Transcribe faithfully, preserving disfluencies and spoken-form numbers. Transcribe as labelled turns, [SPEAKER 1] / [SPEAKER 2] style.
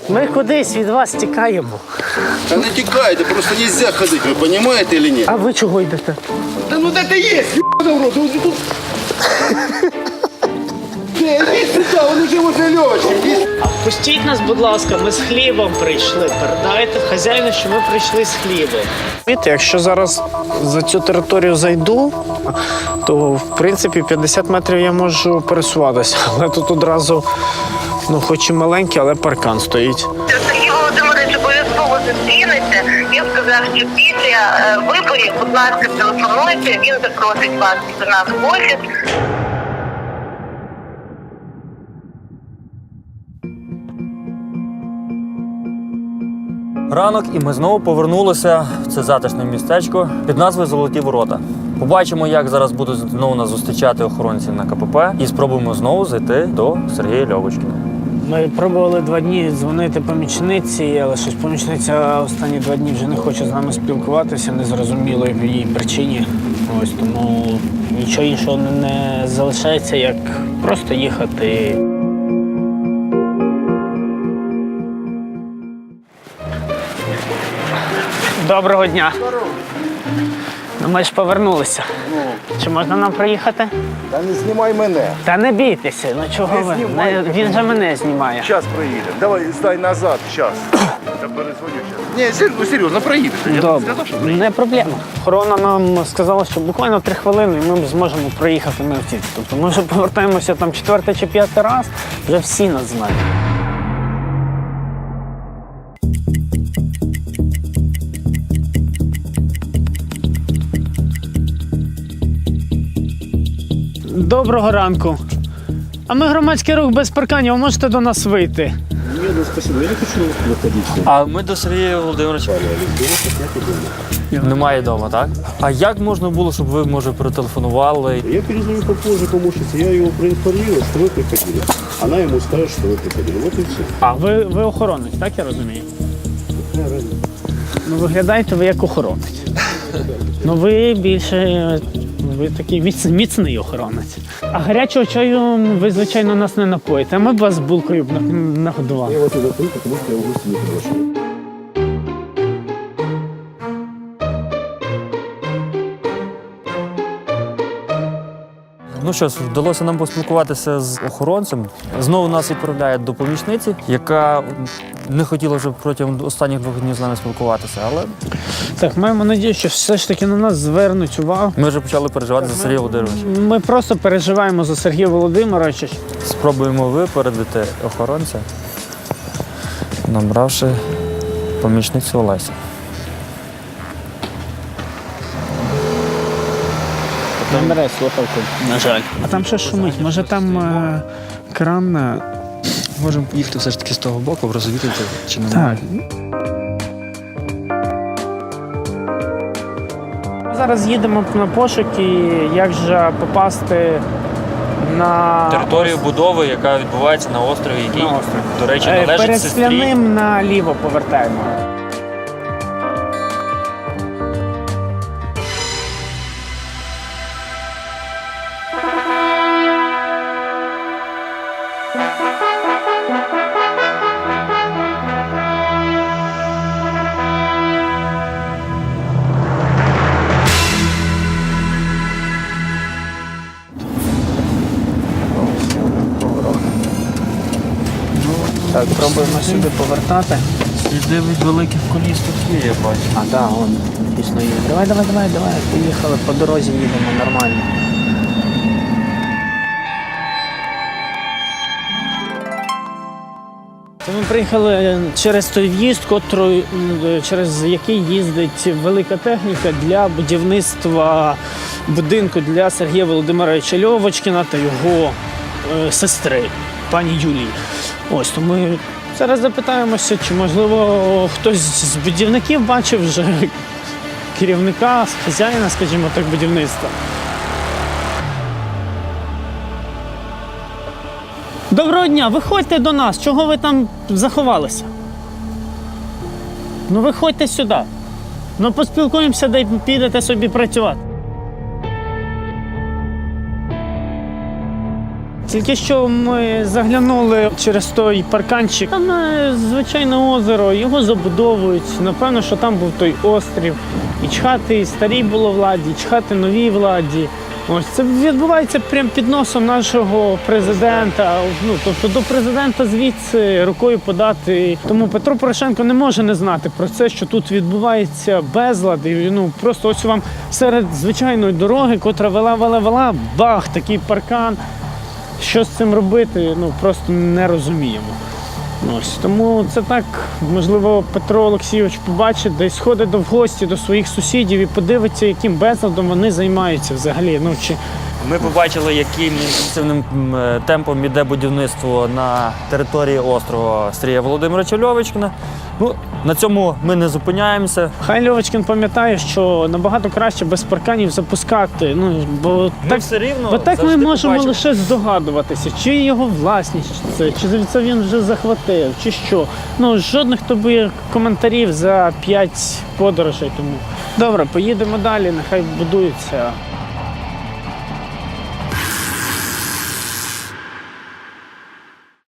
[SPEAKER 1] Ми кудись від вас тікаємо.
[SPEAKER 2] Та не тікайте, просто нельзя ходити, ви розумієте чи ні?
[SPEAKER 1] А ви чого йдете?
[SPEAKER 2] Та ну де ти є, ебаный в рот, он же тут... Де, іди сюди, він уже возле Льовочки.
[SPEAKER 1] Пустіть нас, будь ласка, ми з хлібом прийшли. Передайте хазяїну, що ми прийшли з хлібом. Знаєте, якщо зараз за цю територію зайду, то в принципі п'ятдесят метрів я можу пересуватися. Але тут одразу, ну хоч і маленький, але паркан стоїть.
[SPEAKER 3] Сергій Володимирович обов'язково зустрінеться. Він сказав, що після е, виборів, будь ласка, телефонуйте, він запросить вас до нас в офіс.
[SPEAKER 4] Ранок, і ми знову повернулися в це затишне містечко під назвою Золоті Ворота. Побачимо, як зараз будуть знову нас зустрічати охоронці на ка пе пе, і спробуємо знову зайти до Сергія Льовочкіна.
[SPEAKER 1] Ми пробували два дні дзвонити помічниці, але щось помічниця останні два дні вже не хоче з нами спілкуватися, незрозуміло в її причині. Ось тому нічого іншого не залишається, як просто їхати. Доброго дня. Ну, ми ж повернулися. Чи можна нам приїхати?
[SPEAKER 2] Та не знімай мене.
[SPEAKER 1] Та не бійтеся, ну чого ви?
[SPEAKER 2] знімай.
[SPEAKER 1] Не- Він же мене знімає.
[SPEAKER 2] Зараз проїдемо. Давай, здай назад, зараз. Я перезвоню зараз. Ні, ну серйозно, проїдеш. Я
[SPEAKER 1] Добре,
[SPEAKER 2] сказав, що
[SPEAKER 1] не проблема. Охорона нам сказала, що буквально три хвилини і ми зможемо проїхати на автівці. Тобто ми вже повертаємося там четвертий чи п'ятий раз, вже всі нас знають. Доброго ранку. А ми громадський рух без парканів, ви можете до нас вийти.
[SPEAKER 4] А ми до Сергія Володимировича. Немає вдома, так? А як можна було, щоб ви, може, перетелефонували?
[SPEAKER 5] Я перезвоню попозже помощнице, я его проинформирую, что вы приходили. Она ему скажет, что вы приходили. Вот и все.
[SPEAKER 1] А, ви, ви охоронець, так я розумію? Ну, виглядаєте ви як охоронець. Ну, ви більше, ви такий міц, міцний охоронець. А гарячого чаю ви, звичайно, нас не напоїте, а ми б вас булкою б на- нагодували.
[SPEAKER 5] Я вот и закрыл, потому что я в гости не приглашаю.
[SPEAKER 4] Ну що ж, вдалося нам поспілкуватися з охоронцем. Знову нас відправляють до помічниці, яка не хотіла вже протягом останніх двох днів з нами спілкуватися, але
[SPEAKER 1] Так, маємо надію, що все ж таки на нас звернуть увагу.
[SPEAKER 4] ми вже почали переживати за Сергія Володимировича.
[SPEAKER 1] Ми просто переживаємо за Сергія Володимировича.
[SPEAKER 4] Спробуємо випередити охоронця, набравши помічницю Олесі.
[SPEAKER 1] Не бере слухавку, на жаль. А там що шумить? Може там е, кран? е,
[SPEAKER 4] Можемо поїхати все ж таки з того боку, розвідати, чи не
[SPEAKER 1] Так. Ми зараз їдемо на пошуки, як же попасти на
[SPEAKER 4] територію будови, яка відбувається на острові, який,
[SPEAKER 1] На острові.
[SPEAKER 4] до речі,
[SPEAKER 1] Е,
[SPEAKER 4] належить
[SPEAKER 1] перед
[SPEAKER 4] сестрі.
[SPEAKER 1] Скляним наліво повертаємо. Так, пробуємо сюди повертати.
[SPEAKER 4] Сліди від великих коліс тут є, я бачу.
[SPEAKER 1] А, так, да, вон, дійсно є. Давай, давай, давай, давай. Поїхали, по дорозі їдемо нормально. Це ми приїхали через той в'їзд, котрий, м, через який їздить велика техніка для будівництва будинку для Сергія Володимировича Льовочкіна та його е, сестри, пані Юлії. Ось, то ми зараз запитаємося, чи, можливо, хтось з будівників бачив вже керівника, хазяїна, скажімо так, будівництва. Доброго дня, виходьте до нас. Чого ви там заховалися? Ну виходьте сюди. Ну поспілкуємося, де підете собі працювати. Тільки що ми заглянули через той парканчик. Там е, звичайне озеро, його забудовують. Напевно, що там був той острів. І чхати старій було владі, і чхати новій владі. Ось це відбувається прямо під носом нашого президента. Ну тобто до президента звідси рукою подати. Тому Петро Порошенко не може не знати про це, що тут відбувається безлад. І, ну просто ось вам серед звичайної дороги, котра вела, вела, вела, бах, такий паркан. Що з цим робити? Ну просто не розуміємо. Ось тому це так, можливо, Петро Олексійович побачить, десь сходить до в гості до своїх сусідів і подивиться, яким безладом вони займаються взагалі. Ну чи
[SPEAKER 4] Ми побачили, яким інтенсивним м, темпом іде будівництво на території острова Сергія Володимировича Льовочкіна. Ну, на цьому ми не зупиняємося.
[SPEAKER 1] хай Льовочкін пам'ятає, що набагато краще без парканів запускати. Ну бо
[SPEAKER 4] Ми
[SPEAKER 1] так,
[SPEAKER 4] все рівно
[SPEAKER 1] бо так ми
[SPEAKER 4] завжди
[SPEAKER 1] можемо
[SPEAKER 4] побачимо.
[SPEAKER 1] лише здогадуватися, чи його власність це, чи це він вже захватив, чи що. Ну жодних тобі коментарів за п'ять подорожей. Тому добре, поїдемо далі. Нехай будується.